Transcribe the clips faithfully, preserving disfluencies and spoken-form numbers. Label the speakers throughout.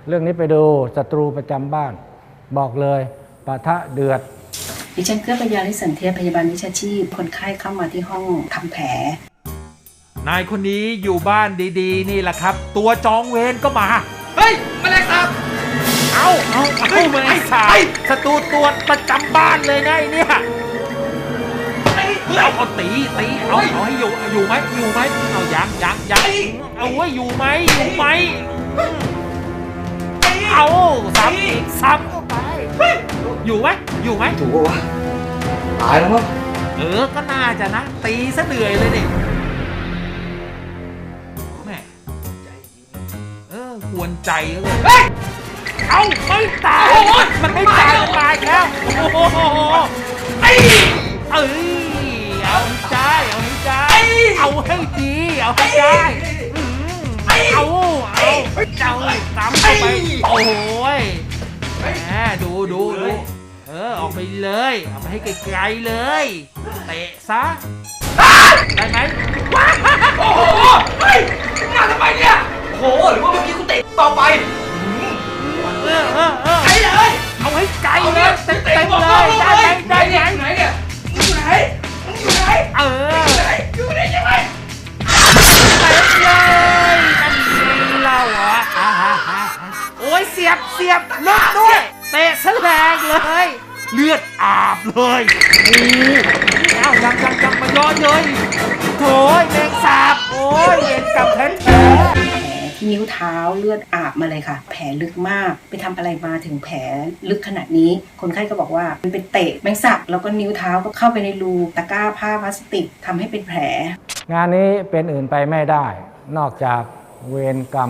Speaker 1: เรื่องนี้ไปดูศัตรูประจำบ้านบอกเลยปะทะเดือด
Speaker 2: ดิฉันเกื้อปัญญาลิสันเทียพยาบาลวิชาชีพคนไข้เข้ามาที่ห้องทำแผล
Speaker 3: นายคนนี้อยู่บ้านดีๆนี่แหละครับตัวจองเวรก็มา
Speaker 4: เฮ้ยแมลงสาบ
Speaker 3: เอาเอาเอาแมลงสาบศัตรูตัวประจำบ้านเลยนะไอ้เนี่ยเอาเอาตีตีเอาเอาให้อยู่อยู่ไหมอยู่ไหมเอายังยังยังเอาไว้อยู่ไหมอยู่ไหมเอาซ้ำอีกซ้ำเข้าไปอยู่ไหมอยู่ไหม
Speaker 4: ถูกปะวะตายแล้วมั้ง
Speaker 3: เออก็น่าจะนะตีซะเหนื่อยเลยดิแม่เออควรใจเลยเอาไม่ตายมันไม่ตายมันตายแล้วโอ้โหไอ้เอ้ยเอาให้ได้เอาให้ได้เอาให้ดีเอาให้ได้เอาเอาเจ้าตามเข้าไปโอ้ยแหมดูดูดูเออออกไปเลยเอาไปให้ไกลๆเลยเตะซะได้ไหม
Speaker 4: โอ้โหเฮ้ยมาทำไมเนี่ยโอ้โหหรือว่าเมื่อกี้กูเตะต่อไป
Speaker 3: เออเออเออ
Speaker 4: ไกลเลย
Speaker 3: เอาให้ไกลเลยเต็มเต็มเลยได้ไหมได้ไหม
Speaker 4: ไหนเนี่ยมึงอยู่ไหนมึงอยู่ไหน
Speaker 3: เออ
Speaker 4: อยู่ไหนอยู่ไหนยังไง
Speaker 3: เต็มเลยนั่นเล่าเหรอโอ้ยเสียบเสียบเลือดด้วยเตะซะแรงเลยเลือดอาบเลยโอ้เอ้ายังยังยังมาย้อนเลยโถ่แมงสาบโอ้ยเห็นกับแผลแผล
Speaker 2: ที่นิ้วเท้าเลือดอาบมาเลยค่ะแผลลึกมากไปทำอะไรมาถึงแผลลึกขนาดนี้คนไข้ก็บอกว่ามันเป็นเตะแมงสาบแล้วก็นิ้วเท้าก็เข้าไปในรูตะกร้าผ้าพลาสติกทำให้เป็นแผล
Speaker 1: งานนี้เป็นอื่นไปไม่ได้นอกจากเวรกรรม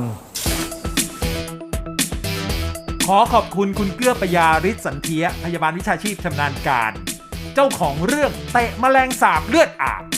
Speaker 3: ขอขอบคุณคุณเกื้อปยาฤทธิ์สันเทียพยาบาลวิชาชีพชำนาญการเจ้าของเรื่องเตะแมลงสาบเลือดอาบ